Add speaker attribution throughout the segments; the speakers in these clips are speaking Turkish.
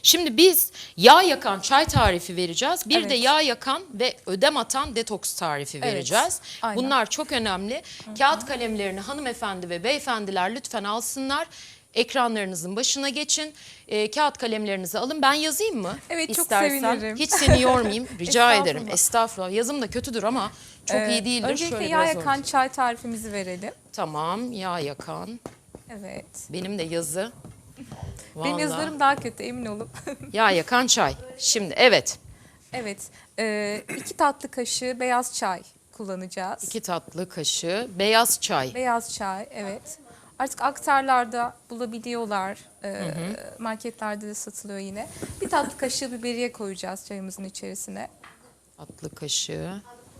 Speaker 1: Şimdi biz yağ yakan çay tarifi vereceğiz. Bir de
Speaker 2: Evet.
Speaker 1: yağ yakan ve ödem atan detoks tarifi
Speaker 2: Evet,
Speaker 1: vereceğiz.
Speaker 2: aynen.
Speaker 1: Bunlar çok önemli. Kağıt kalemlerini hanımefendi ve beyefendiler lütfen alsınlar. Ekranlarınızın başına geçin. Kağıt kalemlerinizi alın. Ben yazayım mı?
Speaker 2: Evet, çok
Speaker 1: İstersen.
Speaker 2: sevinirim.
Speaker 1: Hiç seni yormayayım. Rica ederim.
Speaker 2: Estağfurullah.
Speaker 1: Estağfurullah. Yazım da kötüdür ama çok iyi değildir.
Speaker 2: Öncelikle
Speaker 1: Şöyle
Speaker 2: yağ
Speaker 1: biraz
Speaker 2: yakan
Speaker 1: orta-
Speaker 2: çay tarifimizi verelim.
Speaker 1: Tamam. Yağ yakan.
Speaker 2: Evet.
Speaker 1: Benim de yazı.
Speaker 2: Benim
Speaker 1: Vallahi.
Speaker 2: yazılarım daha kötü, emin olun.
Speaker 1: Yağ yakan çay. Şimdi evet.
Speaker 2: Evet. 2 tatlı kaşığı beyaz çay kullanacağız.
Speaker 1: 2 tatlı kaşığı beyaz çay.
Speaker 2: Beyaz çay, evet. Artık aktarlarda bulabiliyorlar. Marketlerde de satılıyor yine. 1 tatlı kaşığı biberiye koyacağız çayımızın içerisine.
Speaker 1: Tatlı kaşığı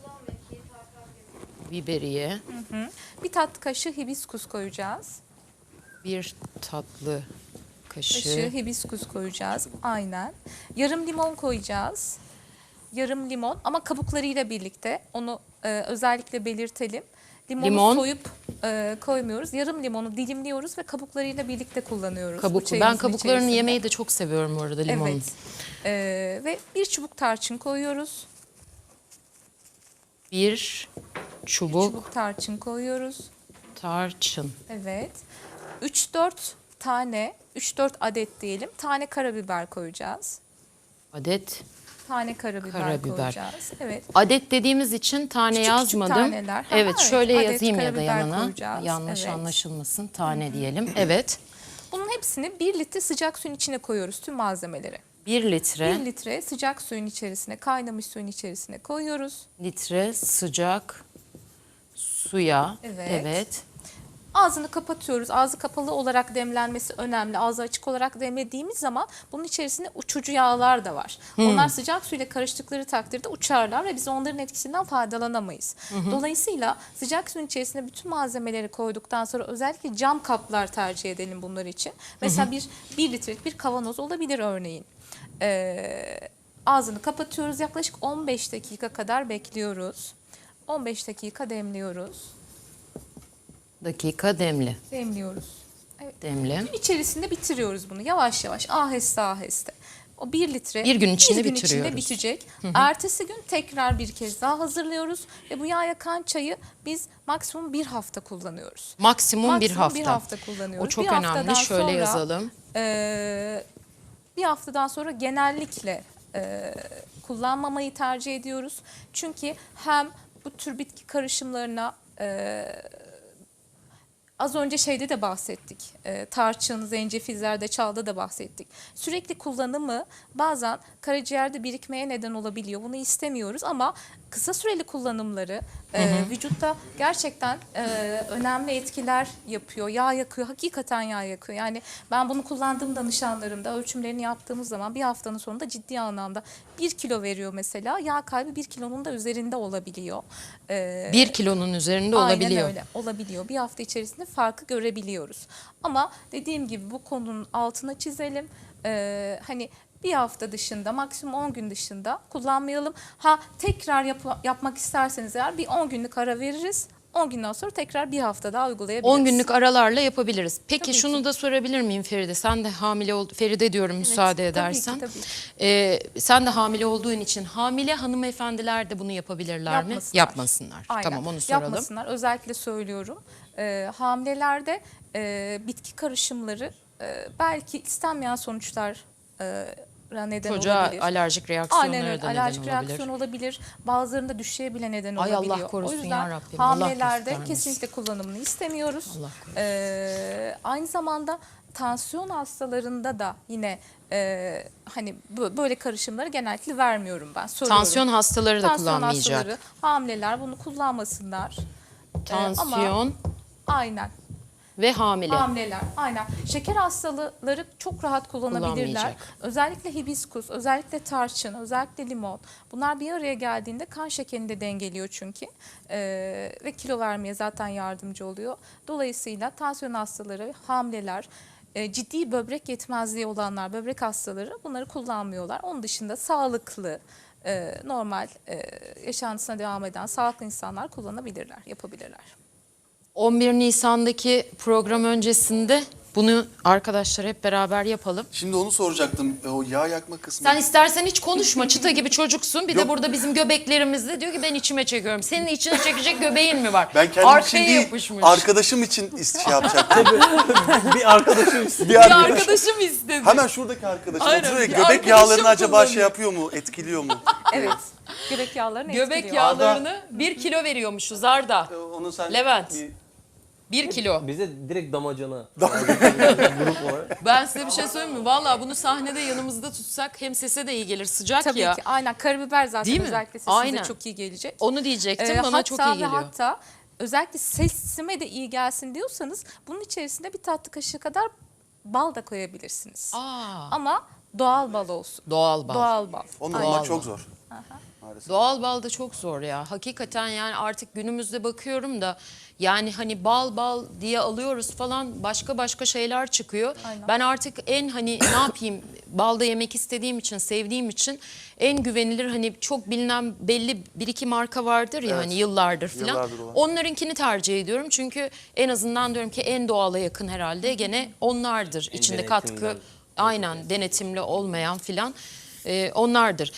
Speaker 1: biberiye.
Speaker 2: 1 tatlı kaşığı hibiskus koyacağız.
Speaker 1: 1 tatlı
Speaker 2: Kaşığı
Speaker 1: kaşığı.
Speaker 2: hibiskus koyacağız. Aynen. Yarım limon koyacağız. Yarım limon ama kabuklarıyla birlikte. Onu özellikle belirtelim. Limonu
Speaker 1: Limon.
Speaker 2: soyup koymuyoruz. Yarım limonu dilimliyoruz ve kabuklarıyla birlikte kullanıyoruz. bu
Speaker 1: Kabuklu.
Speaker 2: çayımızın
Speaker 1: Ben kabuklarını
Speaker 2: içerisinde.
Speaker 1: yemeyi de çok seviyorum bu arada limonun.
Speaker 2: Evet. Ve 1 çubuk tarçın koyuyoruz.
Speaker 1: 1 çubuk
Speaker 2: Çubuk tarçın koyuyoruz.
Speaker 1: tarçın.
Speaker 2: Evet. 3-4 tane, 3-4 adet diyelim. Tane karabiber koyacağız.
Speaker 1: Adet.
Speaker 2: Tane karabiber koyacağız. Evet.
Speaker 1: Adet dediğimiz için tane
Speaker 2: Küçük
Speaker 1: yazmadım.
Speaker 2: taneler. Ha,
Speaker 1: Evet,
Speaker 2: evet.
Speaker 1: şöyle
Speaker 2: Adet
Speaker 1: yazayım ya da
Speaker 2: karabiber
Speaker 1: yanına.
Speaker 2: koyacağız.
Speaker 1: Yanlış
Speaker 2: Evet.
Speaker 1: anlaşılmasın. Tane diyelim. Evet.
Speaker 2: Bunun hepsini 1 litre sıcak suyun içine koyuyoruz, tüm malzemeleri.
Speaker 1: 1 litre.
Speaker 2: 1 litre sıcak suyun içerisine, kaynamış suyun içerisine koyuyoruz.
Speaker 1: Litre sıcak suya.
Speaker 2: Evet.
Speaker 1: Evet.
Speaker 2: Ağzını kapatıyoruz. Ağzı kapalı olarak demlenmesi önemli. Ağzı açık olarak demlediğimiz zaman bunun içerisinde uçucu yağlar da var. Onlar sıcak suyla karıştıkları takdirde uçarlar ve biz onların etkisinden faydalanamayız. Dolayısıyla sıcak suyun içerisine bütün malzemeleri koyduktan sonra özellikle cam kaplar tercih edelim bunlar için. Mesela bir litrelik bir kavanoz olabilir örneğin. Ağzını kapatıyoruz. Yaklaşık 15 dakika kadar bekliyoruz. 15 dakika demliyoruz.
Speaker 1: Dakika demli.
Speaker 2: Demliyoruz. Evet.
Speaker 1: Demli.
Speaker 2: Gün içerisinde bitiriyoruz bunu yavaş yavaş, aheste aheste. O 1 litre
Speaker 1: Bir gün içinde
Speaker 2: içinde
Speaker 1: bitiriyoruz.
Speaker 2: bitecek. Ertesi gün tekrar bir kez daha hazırlıyoruz ve bu yağ yakan çayı biz maksimum 1 hafta kullanıyoruz.
Speaker 1: Maksimum bir
Speaker 2: Maksimum
Speaker 1: hafta.
Speaker 2: 1 hafta kullanıyoruz.
Speaker 1: O çok
Speaker 2: Bir haftadan
Speaker 1: önemli. Şöyle
Speaker 2: sonra,
Speaker 1: yazalım.
Speaker 2: Bir haftadan sonra genellikle kullanmamayı tercih ediyoruz. Çünkü hem bu tür bitki karışımlarına az önce şeyde de bahsettik. Tarçın, zencefil, zerdeçalda da bahsettik. Sürekli kullanımı bazen karaciğerde birikmeye neden olabiliyor. Bunu istemiyoruz ama kısa süreli kullanımları vücutta gerçekten önemli etkiler yapıyor. Yağ yakıyor, hakikaten yağ yakıyor. Yani ben bunu kullandığım danışanlarımda ölçümlerini yaptığımız zaman bir haftanın sonunda ciddi anlamda 1 kilo veriyor mesela. Yağ kaybı 1 kilonun da üzerinde olabiliyor.
Speaker 1: 1 kilonun üzerinde olabiliyor.
Speaker 2: Aynen öyle olabiliyor. Bir hafta içerisinde farkı görebiliyoruz. Ama dediğim gibi bu konunun altına çizelim. Hani bir hafta dışında, maksimum 10 gün dışında kullanmayalım. Ha tekrar yapmak isterseniz eğer bir 10 günlük ara veririz. 10 günden sonra tekrar bir hafta daha uygulayabiliriz.
Speaker 1: 10 günlük aralarla yapabiliriz. Peki
Speaker 2: Tabii
Speaker 1: şunu
Speaker 2: ki.
Speaker 1: da sorabilir miyim Feride? Sen de hamile oldun. Feride diyorum müsaade
Speaker 2: tabii ki,
Speaker 1: edersen.
Speaker 2: tabii
Speaker 1: Sen de hamile olduğun için hamile hanımefendiler de bunu yapabilirler mi? Yapmasınlar.
Speaker 2: Aynen.
Speaker 1: Tamam, onu soralım.
Speaker 2: Yapmasınlar. Özellikle söylüyorum. Hamilelerde bitki karışımları belki istenmeyen sonuçlar neden
Speaker 1: Çocuğa
Speaker 2: olabilir.
Speaker 1: alerjik reaksiyonları
Speaker 2: Aynen öyle.
Speaker 1: da neden
Speaker 2: Alerjik
Speaker 1: olabilir.
Speaker 2: reaksiyon olabilir. Bazılarında düşeye bile neden
Speaker 1: Ay, Allah
Speaker 2: olabiliyor.
Speaker 1: korusun
Speaker 2: O yüzden
Speaker 1: yarabbim, Allah
Speaker 2: hamilelerde
Speaker 1: göstermesin.
Speaker 2: kesinlikle kullanımını istemiyoruz.
Speaker 1: Allah korusun.
Speaker 2: Aynı zamanda tansiyon hastalarında da yine hani böyle karışımları genellikle vermiyorum ben. Soruyorum.
Speaker 1: Tansiyon hastaları da
Speaker 2: Tansiyon
Speaker 1: kullanmayacak.
Speaker 2: hastaları, hamileler bunu kullanmasınlar.
Speaker 1: Tansiyon
Speaker 2: Ama aynen.
Speaker 1: ve hamile.
Speaker 2: Hamileler, aynen. Şeker hastaları çok rahat kullanabilirler.
Speaker 1: Kullanmayacak.
Speaker 2: Özellikle hibiskus, özellikle tarçın, özellikle limon. Bunlar bir araya geldiğinde kan şekerini de dengeliyor çünkü. Ve kilo vermeye zaten yardımcı oluyor. Dolayısıyla tansiyon hastaları, hamileler, ciddi böbrek yetmezliği olanlar, böbrek hastaları bunları kullanmıyorlar. Onun dışında sağlıklı, normal yaşantısına devam eden sağlıklı insanlar kullanabilirler, yapabilirler.
Speaker 1: 11 Nisan'daki program öncesinde Bunu arkadaşlar hep beraber yapalım.
Speaker 3: Şimdi onu soracaktım. O yağ yakma kısmı.
Speaker 1: Sen istersen hiç konuşma. Çıta gibi çocuksun. Bir de burada bizim göbeklerimizde diyor ki ben içime çekiyorum. Senin içine çekecek göbeğin mi var?
Speaker 3: Ben kendim
Speaker 1: Arkaya
Speaker 3: için değil,
Speaker 1: yapışmış.
Speaker 3: arkadaşım için şey yapacaktım.
Speaker 4: Bir arkadaşım istedi.
Speaker 3: Bir
Speaker 1: Bir
Speaker 3: arkadaş-
Speaker 1: arkadaşım istedi.
Speaker 3: Hemen şuradaki arkadaşım
Speaker 1: Aynen,
Speaker 3: oturuyor ya,
Speaker 1: bir
Speaker 3: göbek
Speaker 1: arkadaşım
Speaker 3: yağlarını acaba
Speaker 1: kullanıyor.
Speaker 3: şey yapıyor mu, etkiliyor mu?
Speaker 2: Evet. Göbek yağlarını
Speaker 1: Göbek
Speaker 2: etkiliyor.
Speaker 1: yağlarını 1 kilo veriyormuşuz Arda.
Speaker 3: Onu sen
Speaker 1: Levent.
Speaker 3: bir-
Speaker 1: 1 kilo.
Speaker 4: Bize direkt damacana. Grup olarak.
Speaker 1: Ben size bir şey söyleyeyim mi? Vallahi bunu sahnede yanımızda tutsak hem sese de iyi gelir. Sıcak
Speaker 2: Tabii
Speaker 1: ya.
Speaker 2: ki aynen karabiber zaten
Speaker 1: Değil mi?
Speaker 2: özellikle sesinize
Speaker 1: Aynen.
Speaker 2: çok iyi gelecek.
Speaker 1: Onu diyecektim. Bana
Speaker 2: hatta
Speaker 1: çok iyi geliyor.
Speaker 2: hatta özellikle sesime de iyi gelsin diyorsanız bunun içerisine bir tatlı kaşığı kadar bal da koyabilirsiniz.
Speaker 1: Aa,
Speaker 2: Ama doğal bal olsun.
Speaker 1: doğal bal.
Speaker 2: Doğal bal.
Speaker 3: Onu
Speaker 1: Doğal
Speaker 3: bulmak
Speaker 1: bal.
Speaker 3: çok zor. Maalesef.
Speaker 1: Doğal bal da çok zor ya. Hakikaten yani artık günümüzde bakıyorum da yani hani bal diye alıyoruz falan başka şeyler çıkıyor.
Speaker 2: Aynen.
Speaker 1: Ben artık en hani ne yapayım balda yemek istediğim için sevdiğim için en güvenilir hani çok bilinen belli bir iki marka vardır ya
Speaker 3: Evet.
Speaker 1: hani yıllardır falan.
Speaker 3: Yıllardır olan.
Speaker 1: Onlarınkini tercih ediyorum çünkü en azından diyorum ki en doğala yakın herhalde gene onlardır. İçinde katkı
Speaker 4: denetimden.
Speaker 1: aynen denetimli olmayan filan onlardır.